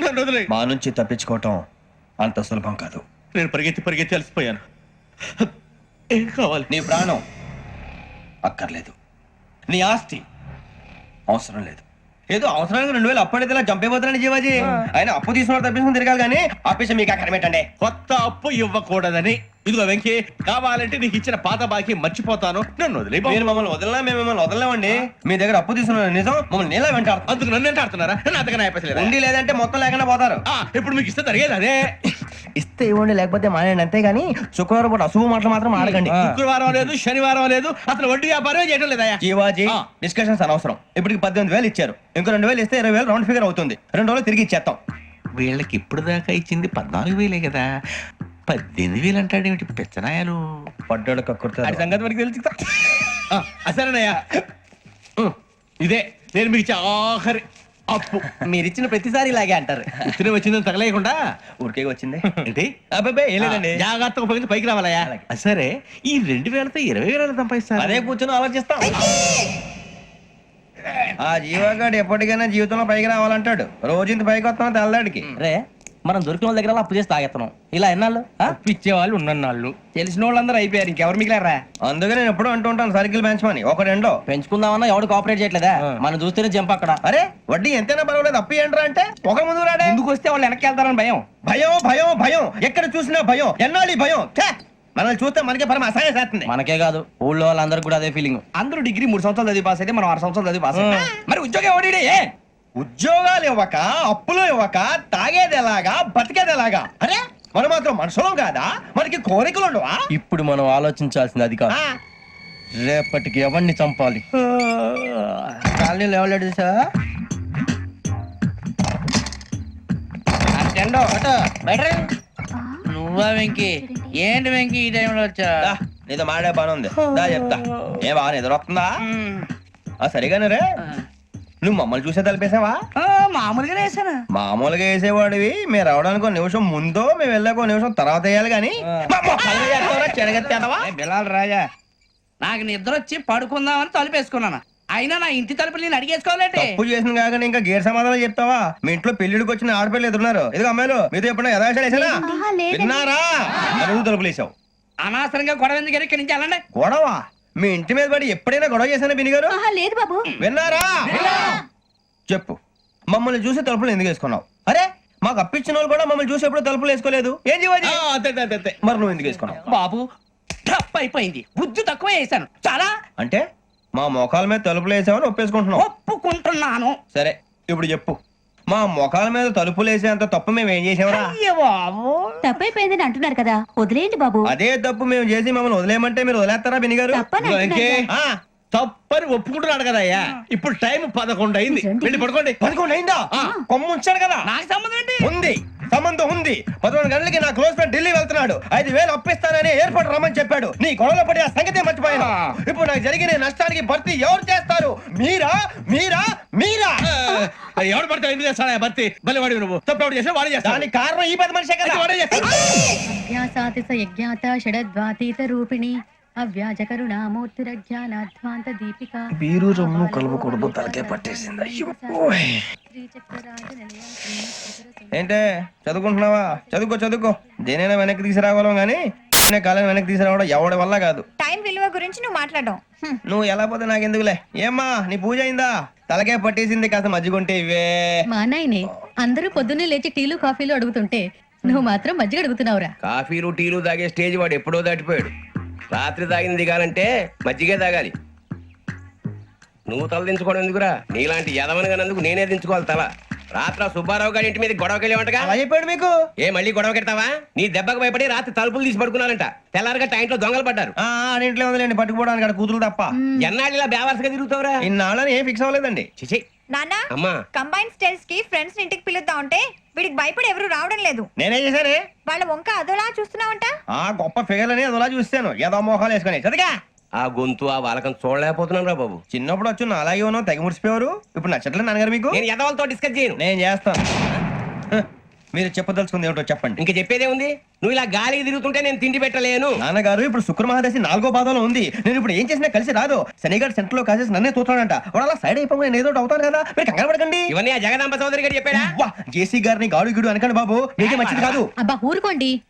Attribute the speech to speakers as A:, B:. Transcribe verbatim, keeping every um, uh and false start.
A: నన్ను వదిలే.
B: మా నుంచి తప్పించుకోవటం అంత సులభం కాదు.
A: నేను పరిగెత్తి పరిగెత్తి అలసిపోయాను. ఏం కావాలి?
B: నీ ప్రాణం అక్కర్లేదు, నీ ఆస్తి అవసరం లేదు. ఏదో అవసరానికి రెండు వేలు అప్పటిలా చంపేపోతున్నాడు జీవాజీ. ఆయన అప్పు తీసుకున్న తప్పించుకుని తిరగాలి కానీ ఆపేసి మీకు అక్కడ పెట్టండి.
A: కొత్త అప్పు ఇవ్వకూడదని. ఇదిగో వెంకీ, కావాలంటే నీకు ఇచ్చిన పాత బాకీ మర్చిపోతాను, నన్ను వదిలే.
B: మీరు మమ్మల్ని వదలనా? మేము మిమ్మల్ని వదలలేమండి. మీ దగ్గర అప్పు తీసుకున్న నిజం మమ్మల్ని నీలా వెంటాడు.
A: అందుకు నన్ను ఎంత ఆడుతున్నారా? నన్ను అంతగా అయిపోలేదు.
B: ఉండి లేదంటే మొత్తం లేకుండా పోతారు.
A: ఇప్పుడు మీకు ఇస్తే జరిగేది అదే.
B: ఇస్తే ఇవ్వండి, లేకపోతే మానేయండి, అంతేగాని శుక్రవారం పూట అశుభ మాటలు మాత్రం ఆడకండి.
A: శుక్రవారం లేదు, శనివారం లేదు, అసలు వడ్డీ వ్యాపారం చేయడం లేదా?
B: జీవాజీ, డిస్కషన్స్ అనవసరం. ఇప్పటికి పద్దెనిమిది వేలు ఇచ్చారు, ఇంకో రెండు వేలు ఇస్తే ఇరవై వేలు రౌండ్ ఫిగర్ అవుతుంది. రెండు రోజులు తిరిగి ఇచ్చేస్తాం.
A: వీళ్ళకి ఇప్పుడు దాకా ఇచ్చింది పద్నాలుగు వేలే కదా, పద్దెనిమిది వేలు అంటాడేమిటి పిచ్చనాయాలు?
B: పడ్డాడు కక్కుర్తాడు.
A: సంగతి వరకు తెలుసు. అసలేనయ్యా, ఇదే నేను మీకు ఇచ్చే ఆఖరి అప్పు.
B: మీరు ఇచ్చిన ప్రతిసారి ఇలాగే అంటారు.
A: ఇతనే వచ్చిందని తగలేయకుండా
B: ఊరికే వచ్చింది
A: ఏంటి?
B: అబ్బాయి ఏం లేదండి,
A: జాగ్రత్తగా ఉపయోగించి పైకి రావాలయ్యా. సరే, ఈ రెండు వేలతో ఇరవై వేల సంపాదిస్తారు.
B: అదే కూర్చొని ఆలోచిస్తాం. ఆ జీవగాడు ఎప్పటికైనా జీవితంలో పైకి రావాలంటాడు. రోజు ఇంత పైకి వస్తాం తెల్లడికి.
C: రే, మనం దొరికిన వాళ్ళ దగ్గర అప్పు చేసి తాగెత్తనం. ఇలా ఎన్నాళ్ళు
D: ఇచ్చే వాళ్ళు ఉన్నన్నాళ్ళు తెలిసిన వాళ్ళందరూ అయిపోయారు, ఇంకెవరు మిగిలారా?
B: అందుకే నేను ఎప్పుడూ అంటూ ఉంటాను సర్కిల్ బెంచ్ మని ఒక రెండో
C: పెంచుకుందామన్నా ఎవడు కోఆపరేట్ చేయట్లేదా? మనం చూస్తేనే జంప్ అక్కడ.
B: అరే వడ్డీ ఎంతైనా పర్వాలేదు, అప్పు ఏంట్రా అంటే ఒక ముందు రాడే.
D: ముందుకు వస్తే వాళ్ళు వెనక్కి వెళ్తారని భయం.
B: భయం భయం భయం, ఎక్కడ చూసినా భయం. ఎన్నాళ్ళు భయం? మనల్ని చూస్తే మనకే పరమ అసహాయం చేస్తుంది.
C: మనకే కాదు, ఊళ్ళో వాళ్ళందరికీ కూడా అదే ఫీలింగ్.
D: అందరూ డిగ్రీ మూడు సంవత్సరాలు చదివి పాస్ అయితే మనం ఆరు సంవత్సరాలు చదివి పాస్ అయ్యాం. మరి ఉద్యోగం ఎవడి?
B: ఉద్యోగాలు ఇవ్వక, అప్పులు ఇవ్వక, తాగేది ఎలాగా, బతికేది ఎలాగా? అరే మనం మాత్రం మనుషులం కాదా? మనకి కోరికలు ఉండవా?
C: ఇప్పుడు మనం ఆలోచించాల్సింది అది కాదు, రేపటికి ఎవరిని చంపాలి.
B: కాలనీలో ఎవరు సార్?
E: నువ్వా వెంకీ? ఏంటి వెంకీ ఈ టైంలో వచ్చా?
B: నీతో మాడే పని ఉంది, దా చెప్తా. ఏ బాగా నిద్ర వస్తుందా? సరిగానే రే, నువ్వు మమ్మల్ని చూసే తలిపేసావా?
E: మామూలుగా వేసానా?
B: మామూలుగా వేసేవాడివి. మీరు రావడానికి ఒక నిమిషం ముందో, మేము వెళ్ళాక ఒక నిమిషం తర్వాత వేయాలి కానీ
D: బిలాల్ రాజా,
E: నాకు నిద్ర వచ్చి పడుకుందామని తలుపేసుకున్నాను. అయినా నా ఇంటి తలుపులు నేను అడిగేసుకోవాలంటే
B: తప్పు చేసిన కాక ఇంకా గేర్ సమాధానం చెప్తావా? మీ ఇంట్లో పెళ్లిడికి వచ్చిన ఆడపిల్లలు ఎదురున్నారు. ఇది అమ్మాయిలు మీతో ఎప్పుడైనా యథాశాలు వేసానా? విన్నారా? అడుగు తలుపులు వేసావు.
E: అనవసరంగా గొడవ ఎందుకు ఇక్కడి నుంచి వెళ్ళండి.
B: గొడవ? మీ ఇంటి మీద పడి ఎప్పుడైనా గొడవ చేశానా బినిగారు?
F: లేదు బాబు.
B: విన్నారా? చెప్పు, మమ్మల్ని చూసి తలుపులు ఎందుకు వేసుకున్నావు? అరే మాకు అప్పించిన వాళ్ళు కూడా మమ్మల్ని చూసి ఎప్పుడు తలుపులు వేసుకోలేదు. ఏం చేయాలి? మరి నువ్వు ఎందుకు వేసుకున్నావు?
E: బాబు టప్ అయిపోయింది, బుద్ధి తక్కువ వేసాను చాలా.
B: అంటే మా మొఖాల మీద తలుపులు వేసామని ఒప్పేసుకుంటున్నావు?
E: ఒప్పుకుంటున్నాను.
B: సరే ఇప్పుడు చెప్పు, మా మొఖాల మీద తలుపులు వేసేంత తప్పు మేము ఏం చేసామరా?
F: తప్పైపోయిందని అంటున్నారు కదా, వదిలేయండి బాబు.
B: అదే తప్పు మేము చేసి మమ్మల్ని వదిలేయమంటే మీరు వదిలేస్తారా బినిగారు?
A: తప్పని ఒప్పుకుంటున్నాడు కదా అయ్యా. ఇప్పుడు టైం పదకొండు అయింది, వెళ్ళి పడుకోండి.
B: పదకొండు అయిందా? కొమ్ము ఉంచాడు కదా.
E: నాకు సంబంధం ఏంటి?
B: ఉంది, సంబంధం ఉంది. పదకొండు గంటలకి నా క్లోజ్ ఫ్రెండ్ ఢిల్లీ వెళ్తున్నాడు. ఐదు వేలు అప్పిస్తానని ఎయిర్పోర్ట్ రమ్మని చెప్పాడు. నీ గొడవలో పడి ఆ సంగతి మర్చిపోయాను. ఇప్పుడు నాకు జరిగిన నష్టానికి భర్తీ ఎవరు చేస్తారు? మీరా మీరా మీరా?
A: ఎవడు పడితే ఎందుకు చేస్తాడా భర్తీ? మళ్ళీ వాడి నువ్వు తప్పు ఎవడు చేసా వాడే చేస్తా.
B: దానికి కారణం ఈ పది మనిషే కదా. వాడే చేస్తాడు.
F: రూపిణి అవ్యాజ కరుణామూర్తిరజ్ఞానాధ్వాంత దీపిక.
B: బీరు రమ్ము కలుపుకూడదు, తలకే పట్టేసింది. ఏంటే చదువుకుంటున్నావా? చదువుకో చదువుకో. దేనైనా వెనక్కి తీసుకురావాలం గానీ కాలం వెనక్కి తీసుకురావడం ఎవడి వల్ల కాదు.
F: టైం విలువ గురించి నువ్వు మాట్లాడడం.
B: నువ్వు ఎలా పోతే నాకెందుకులే. ఏమ్మా నీ పూజ అయిందా? తలకే పట్టేసింది, కాస్త మజ్జిగుంటే ఇవే.
F: మా నాయనే అందరూ పొద్దున్నే లేచి టీలు కాఫీలు అడుగుతుంటే నువ్వు మాత్రం మజ్జిగ అడుగుతున్నావురా.
G: కాఫీలు టీలు తాగే స్టేజ్ వాడు ఎప్పుడో దాటిపోయాడు. రాత్రి తాగింది దిగాలంటే మజ్జిగే తాగాలి. నువ్వు తల దించుకోవడం ఎందుకురా? నీలాంటి యదవనగానందుకు నేనే దించుకోవాలి తల. రాత్రి సుబ్బారావు గారి ఇంటి మీద గొడవకి వెళ్ళేవంటగా.
B: అలా చెప్పాడు మీకు?
G: ఏ మళ్ళీ గొడవ కెడతావా? నీ దెబ్బకు భయపడి రాత్రి తలుపులు తీసి పడుకున్నారంట. తెల్లారగా టైంట్లో దొంగలు పడ్డారు.
B: ఇంట్లో ఉందిలేండి, పట్టుకుపోవడానికి అక్కడ కూతురు తప్ప.
G: ఎన్నాళ్ళు ఇలా బేవర్స్గా తిరుగుతావురా?
B: ఇన్నాళ్ళని ఏం ఫిక్స్ అవ్వలేదండి.
G: చిచి
F: నాన్న,
G: అమ్మా,
F: కంబైన్ స్టైల్స్ కి ఫ్రెండ్స్ ఇంటికి పిలుద్దాం అంటే వీడికి భయపడి ఎవరు రావడం లేదు.
B: నేనే చేశానే.
F: వాళ్ళ వంక అదోలా చూస్తున్నావంట.
B: ఆ గొప్ప ఫిగర్ అని అదోలా చూస్తాను. ఏదో మోహాలు వేసుకుని చదిగా
G: ఆ గొంతు ఆ వాలకం చూడలేకపోతున్నాను రా బాబు.
B: చిన్నప్పుడు వచ్చి నా అలాగే ఉన్నావు, తెగ ముడిచిపోయారు. ఇప్పుడు నచ్చట్లేదు నాన్నగారు మీకు?
G: నేను యదవలతో డిస్కస్ చేయను.
B: నేను చేస్తాను.
C: మీరు చెప్పదలుచుకుంది ఏమిటో చెప్పండి.
G: ఇంక చెప్పేదే ఉంది. నువ్వు ఇలా గాలికి తిరుగుతుంటే నేను తిండి పెట్టలేను.
C: నాన్నగారు ఇప్పుడు శుక్ర మహాదశి నాలుగో పాదంలో ఉంది. నేను ఇప్పుడు ఏం చేసినా కలిసి రాదు. శనిగారు సెంటర్ లో కాసేసి నన్నే చూస్తాడంట. వాడు అలా సైడ్ అయిపోయి నేను ఏదో ఒకటి అవుతాను కదా, మీరు కంగారు పడకండి.
G: ఇవన్నీ ఆ జగదాంబ చౌదరి గారు చెప్పాడా?
C: వా, జేసీ గారిని గాడు గిడు అనకండి బాబు, మీకే మంచిది కాదు.
F: అబ్బా ఊరుకోండి.